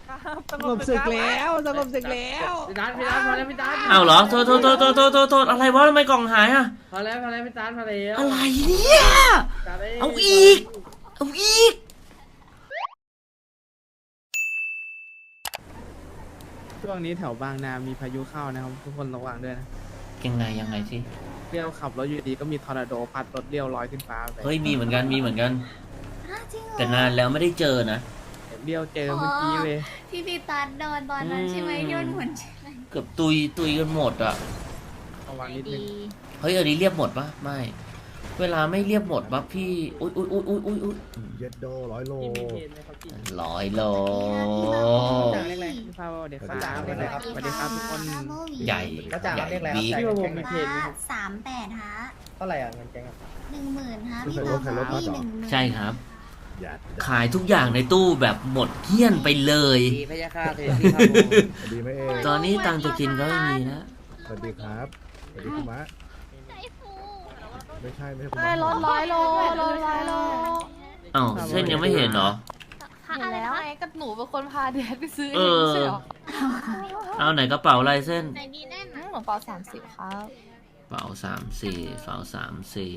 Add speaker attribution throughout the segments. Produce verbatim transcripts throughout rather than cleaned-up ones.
Speaker 1: สงบศึกแล้วสงบศึกแล้ว
Speaker 2: พี่ตันพี่ตันพอแล้วพี่ตัน
Speaker 3: อ้าวเหรอโทษโทษโทษโทษโทษโทษโทษอะไรวะทำไมกล่องหายอะ
Speaker 2: พอแล้วพอแล้วพี่ตันพอแล้ว
Speaker 3: อะไรเนี่ยเอาอีกเอาอีก
Speaker 1: ช่วงนี้แถวบางนามีพายุเข้านะครับทุกคนระวังด้วยนะ
Speaker 3: ยังไงยังไงสิ
Speaker 1: เลี้ยวขับรถอยู่ดีก็มีทอร์นาโดพัดรถเลี้ยวลอยขึ้นฟ้าไป
Speaker 3: เฮ้ยมีเหมือนกันมีเหมือนกันแต่นานแล้วไม่ได้เจอนะ
Speaker 1: เลี้ยวเจอเมื่อกี้เลย
Speaker 4: ที่พี่ตัดโดนตอนนั้นใช่ไหมโยนหุ่นใช่ไหม
Speaker 3: เกือบตุยตุยกันหมดอ่ะ
Speaker 1: ระวังนิดนึง
Speaker 3: เฮ้ยอันนี้เรียบหมดปะไม่เวลาไม่เรียบหมดปะพี่อุ้ยอุ้ยอุ้ยอุ้ยอุ้ยอุ้ย
Speaker 5: เย็ดโดร้อยโล
Speaker 3: ร้อยโล
Speaker 1: จ่ายเลขอะไรพี่พาวเด็กฟ้าสวัสดีครับทุกคน
Speaker 3: ใหญ่
Speaker 6: ก็จ่ายเลขอะไรครับ
Speaker 1: พี่ว่าผมมีเพจ
Speaker 4: สามแปดฮะ
Speaker 6: เท่าไหร่อ่ะเงินแกง
Speaker 4: หนึ่งหมื่นฮะพี่พาวพี่หนึ่งหมื่น
Speaker 3: ใช่ครับขายทุกอย่างในตู้แบบหมดเกลี้ยนไปเลย
Speaker 2: ดีพยาค่าเทพี่พาโบ
Speaker 5: ดีไหมเอง
Speaker 3: ตอนนี้ตังจะกินก็ไม่มีนะ
Speaker 5: สวัสดีครับสวัสดีคุณมะไม่ใช่ไม่ใช่คุณ
Speaker 7: ได้รถร้อยโลรถร้อยโล
Speaker 3: อ้าวเส้นยังไม่เห็นเหรอ
Speaker 7: เห็นแล้วไงก็หนูเป็นคนพาเดดไปซื้อเอ
Speaker 3: งใช่หรอเอาไหนกระเป๋าลายเส้น
Speaker 7: ไหนดีแน่นหนูเป๋าสามสิบครับ
Speaker 3: เป๋าสามสี่เป๋าสามสี่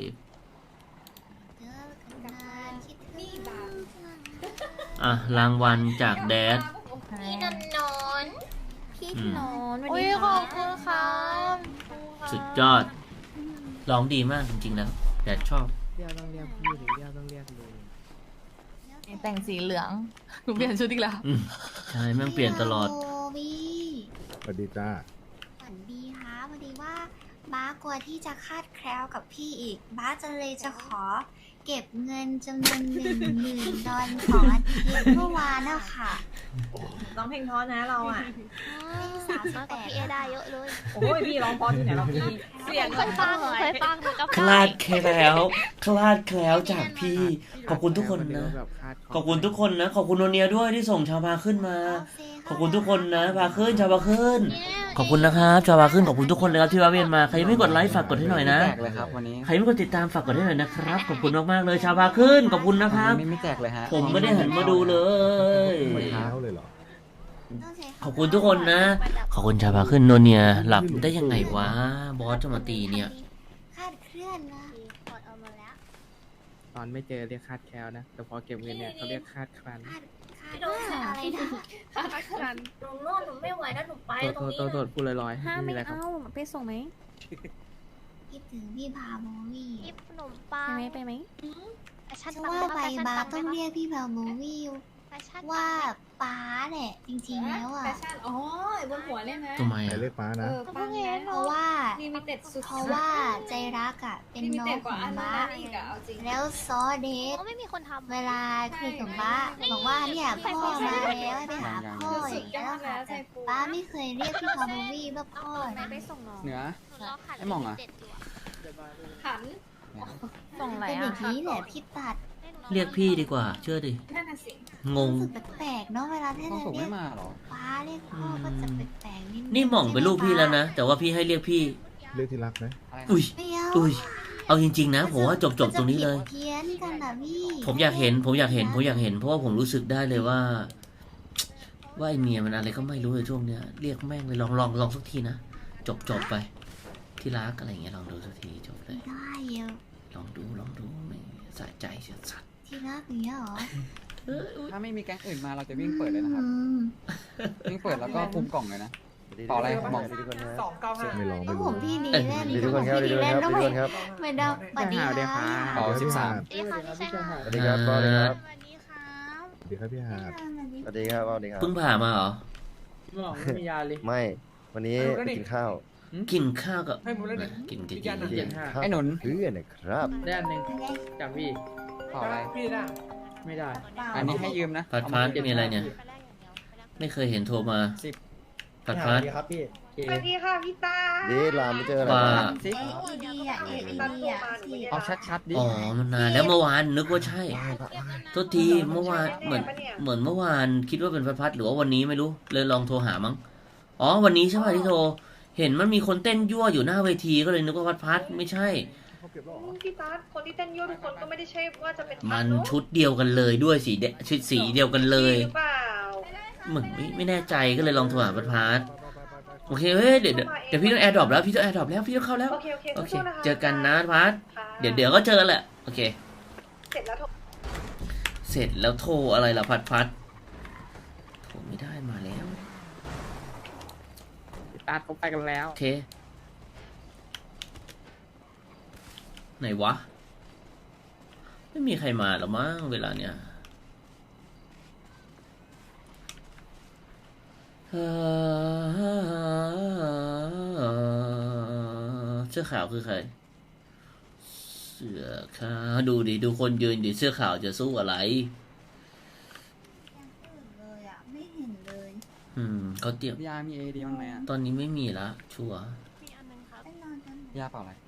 Speaker 3: อ่ะรางวัลจากแดด
Speaker 4: พี่นนนนพี่นน
Speaker 7: อุ้ยขอบคุณครับ
Speaker 3: สุดยอดร้องดีมากจริงๆแล้วแดดชอบ
Speaker 1: เรียกต้องเรียกพี่หรือเรียกต้องเรียกลุง
Speaker 7: แต่งสีเหลืองหนูเปลี่ยนชุดอีกแล้ว
Speaker 3: ใช่แม่งเปลี่ยนตลอด
Speaker 5: สวัสดีจ้า
Speaker 4: สวัสดีค่ะพอดีว่าบ้ากลัวที่จะคาดแคล้วกับพี่อีกบ้าจะเลยจะขอเก็บเงินจำนวนหนึ่งหมื่นดอลของอาทิตย์เมื่อวานอะค่ะ
Speaker 7: ร้องเพลงท้อนะเราอ่ะ
Speaker 4: สามสิบแปดพี่เอได้เยอะเลย
Speaker 7: โอ้ยพี่ร้องพอที่ไหนเราพี่เสียงเคยฟังเคยฟัง
Speaker 3: คลาดแคล้วคลาดแคล้วจากพี่ขอบคุณทุกคนนะขอบคุณทุกคนนะขอบคุณโนเนียด้วยที่ส่งชาวพาขึ้นมาขอบคุณทุกคนนะพาขึ้นชาวพาขึ้นขอบคุณนะครับชาวพาขึ้นขอบคุณทุกคนเลยครับที่มาเวียนมาใครไม่กดไลค์ฝากกดให้หน่อยนะใครไม่กดติดตามฝากกดให้หน่อยนะครับขอบคุณมากๆเลยชาวพาขึ้นขอบคุณนะครับ
Speaker 6: ไม่แจกเลยฮะ
Speaker 3: ผมไม่ได้หันมาดูเลยขอบคุณทุกคนนะขอบคุณชาวพาขึ้นโนเนียหลับได้ยังไงวะบอสจะมาตีเนี่ย
Speaker 4: คาดเคลื่อนนะ
Speaker 1: ตอนไม่เจอเรียกคาดแคลนะแต่พอเก็บเงินเนี่ยเขาเรียกคาดครัน
Speaker 4: โดนอะไรนะคาดครันหนูนอนหนูไม่ไหวแล้วหนูไปตรงนี้
Speaker 1: โทษโทษพูดลอยๆ
Speaker 7: ห้าไม่เอาไปส่งไหม
Speaker 4: คิดถึงพี่พาโบวี่
Speaker 7: พี่ขนมปังไปไหมไปไหม
Speaker 4: ฉันว่าใบบาต้องเรียกพี่พาโบวี่ว่าป้าแหละจริงๆแล้วอ่ะ
Speaker 7: อ๋อบนหัวเนี่ยนะ
Speaker 3: ทำไม
Speaker 5: เรียกป้านะ
Speaker 4: เพราะว่าเพราะว่าใจรักอ่ะเป็นน้องของบ้าแล้วซอเดทไม่มีคนทำเวลาคุยกับบ้าบอกว่าเนี่ยพ่อมาแล้วไปหาพ่ออย่างเงี้ยค่ะป้าไม่เคยเรียกพี่พาโบวี่ว่าพ่อ
Speaker 6: เหนือไอ้มองอ่ะ
Speaker 7: ขันส่งอะไร
Speaker 4: อ่ะเป็นอย่างนี้แหละพี่ตัด
Speaker 3: เรียกพี่ดีกว่าเชื่อดิงง
Speaker 4: แปลกๆเนาะเวลาที่เราเรียกป้าเรียกพ่อก็จะแปลกๆนิด
Speaker 3: นี่หม่องเป็นลูกพี่แล้วนะแต่ว่าพี่ให้เรียกพี่
Speaker 5: เรียกที่รักนะ
Speaker 3: อุ้ยอุ้ยเอาจริงๆนะผมว่าจบจบตรงนี้เลย
Speaker 4: เพี้ยนกันนะพี่
Speaker 3: ผมอยากเห็นผมอยากเห็นผมอยากเห็นเพราะว่าผมรู้สึกได้เลยว่าว่าไอเมียมันอะไรก็ไม่รู้ในช่วงเนี้ยเรียกแม่งเลยลองลองลองสักทีนะจบจบไปที่รักอะไรเงี้ยลองดูสักทีจบเลย
Speaker 4: ได้เยอะ
Speaker 3: ลองดูลองดูไม่สะใจเสียสัตว์
Speaker 4: ที่รักเนี้ยหรอ
Speaker 6: ถ้าไม่มีแก๊งอื่นมาเราจะวิ่งเปิดเลยนะครับวิ่งเปิดแล้วก็คุมกล่องเลยนะต่ออะไรมอง
Speaker 5: สองเก้าห้าไม่ลองไม่
Speaker 4: ผมพี่ดีแน่
Speaker 5: ดีทุกคนครับดีทุกคนครับดีทุกคนครับ
Speaker 4: ไม่ได้ปฏิหาร
Speaker 6: ต่อสิบสาม
Speaker 5: สวัสดีครับสวัสดีครับสวัสดีครับพี่หาด
Speaker 8: สวัสดีครับสวัสดีครับ
Speaker 3: เพิ่งผ่ามาเหรอ
Speaker 1: ไม่มียาเลย
Speaker 8: ไม่วันนี้กินข้าว
Speaker 3: กินข้าวกับกินกิน
Speaker 1: กิน
Speaker 6: ไอ้หนุน
Speaker 8: เพื่อนนะครับ
Speaker 1: ได้อันหนึ่งจากพี่
Speaker 6: ต่ออะไร
Speaker 1: พี่ได้ไม่ได้
Speaker 6: อันนี้ให้ยืมนะ
Speaker 3: พัดพัดมีอะไรเนี่ยไม่เคยเห็นโทรมาพัดพัด
Speaker 7: สวัสดีค่ะพี่ตา
Speaker 8: ดีลามไม่เจออะไร
Speaker 3: ว่า
Speaker 4: ดีอ่ะเอ็ดีอ่ะ
Speaker 6: เอาชัดๆดิ
Speaker 3: อ๋อมันนานแล้วเมื่อวานนึกว่าใช่โทษทีเมื่อวานเหมือนเหมือนเมื่อวานคิดว่าเป็นพัดพัดหรือว่าวันนี้ไม่รู้เลยลองโทรหามั้งอ๋อวันนี้ใช่ไหมที่โทรเห็นมันมีคนเต้นยั่วอยู่หน้าเวทีก็เลยนึกว่าพัดพัดไม่ใช่
Speaker 7: พี่ตาคนที่เต้นยั่วทุกคนก็ไม่ได้ใช่ว่าจะเป็น
Speaker 3: มันชุดเดียวกันเลยด้วยสีชุดสีเดียวกันเลย
Speaker 7: หรือเปล่า
Speaker 3: เหมือนไม่ไม่แน่ใจก็เลยลองโทรหาพัดพาร์ทโอเคเฮ้ยเดี๋ยวเดี๋ยวเดี๋ยวพี่ต้องแอร์ดรอปแล้วพี่ต้องแอร์ดรอปแล้วพี่ต้องเข้าแล้ว
Speaker 9: โอเคโอเค
Speaker 3: โอเค
Speaker 9: สู้ๆนะคะ
Speaker 3: เจอกันนะพาร์ทเดี๋ยวเดี๋ยวก็เจอแหละโอเค
Speaker 9: เสร็จแล้วโทร
Speaker 3: เสร็จแล้วโทรอะไรล่ะพัดพัดโทรไม่ได้มาแล้ว
Speaker 1: พี่ตาเขาไปกันแล้ว
Speaker 3: โอเคไหนวะไม่มีใครมาหรอมั้งเวลาเนี้ยเอ่อเสื้อขาวคือใครเสื้อขาวดูดิดูคนยืนดิเสื้อขาวจะสู้อะไร
Speaker 4: เลยอ่ะไม่เห็นเลย
Speaker 3: อืมเขาเตรียม
Speaker 6: ยามีเอดีบ้างไหมอ่ะ
Speaker 3: ตอนนี้ไม่มีละชัวร์
Speaker 4: ไปนอนกัน
Speaker 6: ยาเปล่าอะไร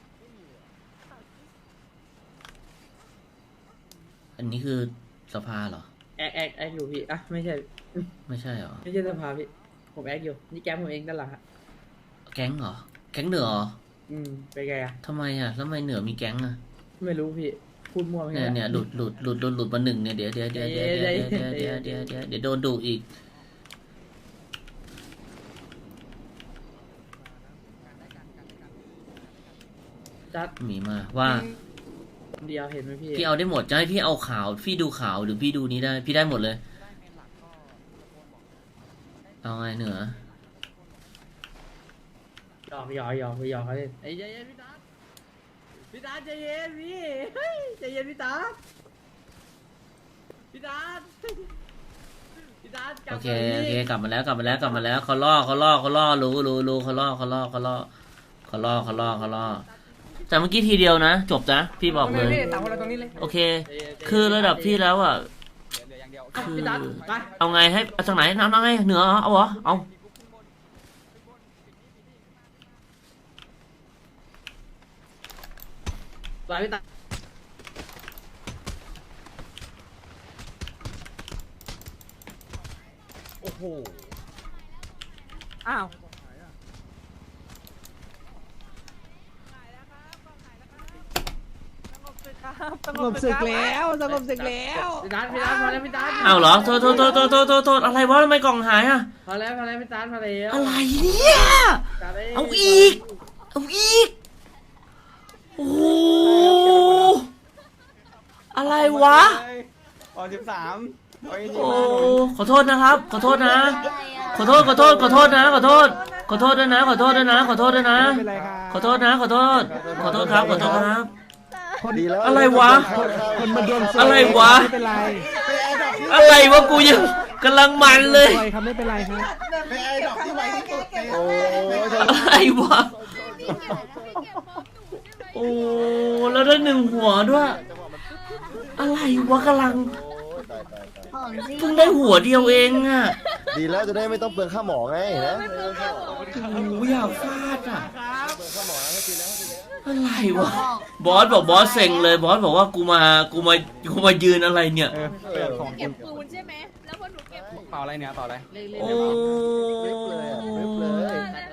Speaker 3: อันนี้คือสภาเหรอ
Speaker 2: แอคแอคแอคอยู่พี่อ่ะไม่ใช่
Speaker 3: ไม่ใช่เหรอ
Speaker 2: ไม่ใช่สภาพี่ผมแอคอยู่นี่แก๊งผมเองด้านหลังฮะ
Speaker 3: แก๊งเหรอแก๊งเหนือเหรอ
Speaker 2: อืมเป็นไงอ่ะ
Speaker 3: ทำไมอ่ะแล้วทำไมเหนือมีแก๊งอ่ะ
Speaker 2: ไม่รู้พี่พูดมั่วไม่
Speaker 3: เนี่ย
Speaker 2: ไง
Speaker 3: เนี่ยหลุดหลุดหลุดโดนหลุดมาหนึ่งเนี่ยเดี๋ยวเดี๋ยวเดี๋ยวเดี๋ยวเดี๋ยวเดี๋ยวเดี๋ยวเดี๋ยวเดี๋ยวเดี๋ยวโดนดุอีก
Speaker 2: จัด
Speaker 3: มีมาว่า
Speaker 2: เดียวเห็นไหมพี่
Speaker 3: พี่เอาได้หมดจะให้พี่เอาข่าวพี่ดูข่าวหรือพี่ดูนี้ได้พี่ได้หมดเลยเอาไงเหนือ
Speaker 2: หยอกหยอกหยอกหยอกเขาเล่นไอ้ใจเย็นพี่ตาพี่ตาใจเย็นพี่เฮ้ยใจเย็นพี่ตาพี่ตาพี่ตากลั
Speaker 3: โอบ เค
Speaker 2: มา
Speaker 3: โอเค
Speaker 2: พี่
Speaker 3: กลับมาแล้วกลับมาแล้วกลับมาแล้วเขาล่อเขาล่อเขาล่อรู้รู้รู้เขาล่อเขาล่อเขาล่อเขาล่อเขาล่อเขาล่อแต่เมื่อกี้ทีเดียวนะจบนะพี่บอกเลย
Speaker 1: สามคนเราตรงนี้เลย
Speaker 3: โอเค คือระดับพี่แล้วอ่ะ
Speaker 6: เหลืออย่างเดียว
Speaker 3: คือ
Speaker 2: พี่ตาไป
Speaker 3: เอาไงให้เอาจากไหนน้ำน้ำไงเหนือเหรอเอาเหรอเอา
Speaker 2: ไปพี่ตา
Speaker 6: โอ้โห
Speaker 1: อ้าวสงบศึกแล้วสงบศึกแล้ว
Speaker 2: พี่ตาพี่ตาพอแล้วพี่ตา
Speaker 3: เอาเหรอโทษโทษโทษโทษโทษโทษโทษอะไรวะทำไมกล่องหายอ่ะ
Speaker 2: พอแล้วพอแล้วพี่ตาพอแล้ว
Speaker 3: อะไรเนี่ย
Speaker 2: ตาได้
Speaker 3: เอาอีกเอาอีกโอ้โหอะไรวะ
Speaker 6: ออสิบสาม
Speaker 3: โอ้ขอโทษนะครับ ขอโทษนะ ขอโทษขอโทษขอโทษนะขอโทษขอโทษด้วยนะขอโทษด้วยนะขอโทษด้วยนะ
Speaker 1: ไม่เป็นไรครับ
Speaker 3: ขอโทษนะขอโทษขอโทษครับขอโทษครับ
Speaker 8: ดีแล้ว
Speaker 3: อะไรวะ
Speaker 1: คนมันโดน
Speaker 3: อะไรวะ
Speaker 1: ไม่เป็นไร
Speaker 3: อะไรวะกูยังกำลังมันเลย
Speaker 1: ปล่อยครับไม่เป็นไรครับ
Speaker 8: โอ้ย
Speaker 3: อะไรวะโอ้แล้วได้หนึ่งหัวด้วย อะไรวะกำลัง
Speaker 8: ตายตายตาย
Speaker 4: ของจริง
Speaker 3: เพิ่งได้หัวเดียวเองอะ
Speaker 8: ดีแล้วจะได้ไม่ต้องเปลืองค่าหมอไงนะ
Speaker 3: โอ้อยากฟาดอะ
Speaker 8: เปลืองค่าหมอนะให้ทีแล้ว
Speaker 3: อะไรวะบอสบอกบอสเซ็งเลยบอสบอกว่ากูมากูมากูมายืนอะไรเนี่ย
Speaker 6: เออเปิดของ
Speaker 7: เก็บปูนใช่ไหม แล้วพอหนูเก็บ
Speaker 6: เปล่าอะไรเนี่ยเปล่าอะไร
Speaker 2: เล่นเล่น
Speaker 3: โอ้
Speaker 8: ริบเลยอะริบเลย
Speaker 7: นั่น